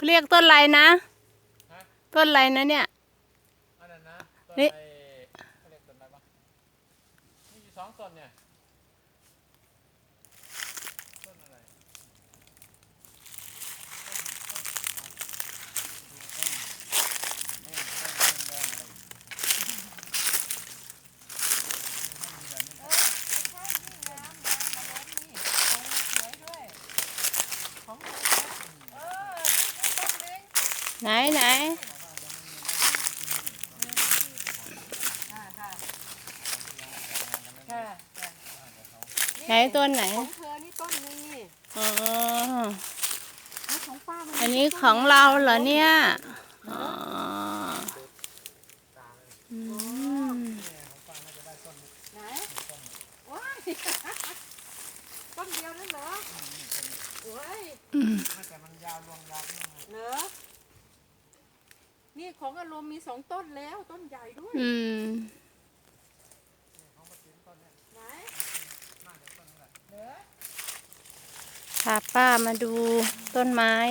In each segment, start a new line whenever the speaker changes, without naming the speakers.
เขาเรียกต้นอะไรนะต้นอะไรนะเนี่ยนี่
เขาเรียกต้นอะไรบ้างมีอยู่2 ต้นเนี่ยต้นอะไร
ไหนไหนไหนต้นไหน
ของเธอนี่ต้นนึงนี่
อ๋อ
ของป้ามัน
อันนี้ของเราเหรอเนี่ยอ๋อ
ไหนว้ายต้นเดียวนั่นเหรอโอ้ย
แต่มันยาวรวงยาว
เหรอนี่ของอารมณ์มี2 ต้นแล้วต้นใหญ่ด้วยไหนเหรอ
พาป้ามาดูต้นไม้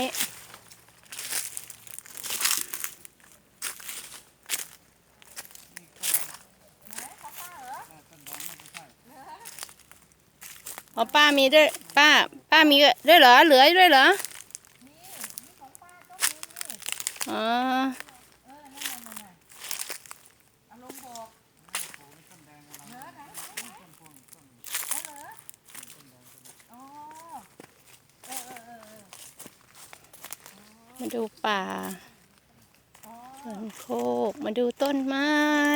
อ๋อป้ามีด้วยป้ามีด้วยเหรอเหลือด้วยเหรอ
มีของป้าต้นนึงนี่
อ๋อ
นั่นอารมณ์บอกเหรอไหนเหรออ๋อ
มาดูป่าสวนโคกมาดูต้นไม้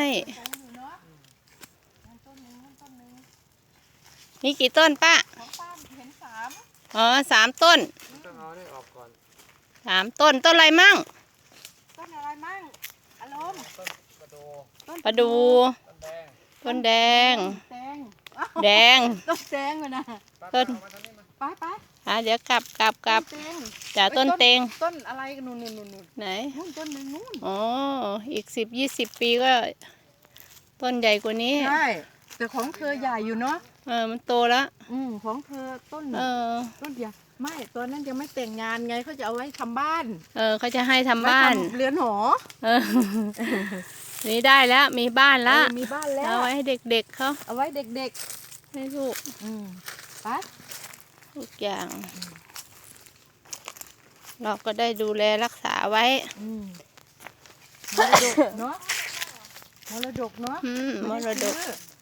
นี่กี่ต้นป้า
ของป้าเห็น3
อ๋อ3 ต้น
ต้องเอาได้ออกก่อน
3 ต้นต้นอะไรมั่ง
ต้นอะไรมั่งอารมณ์
ต้น
ประดูต้นแดงแดง
ต้นแดงเลยนะ
ต้น
ไป
เดี๋ยวกลับจากต้นเตง
ต้นอะไรนู่น
ไหน
ต้นนึงนู่น
อ๋ออีก10-20 ปีก็ต้นใหญ่กว่านี้
ใช่แต่ของเธอใหญ่อยู่เนาะ
มันโตแล้ว
ของเธอต้นใหญ่ไม่ตัวนั้นยังไม่แต่งงานไงเขาจะเอาไว้ทำบ้าน
เขาจะให้ทำบ้าน
เรือนหอ
นี่ได้แล้วมีบ้านแล้ว
มีบ้านแล้ว
เอาไว้ให้เด็กๆเขา
เอาไว้เด็ก
ๆให้ลูก
ไป
ทุกอย่างเราก็ได้ดูแลรักษาไว้
มรดกเนาะมรดก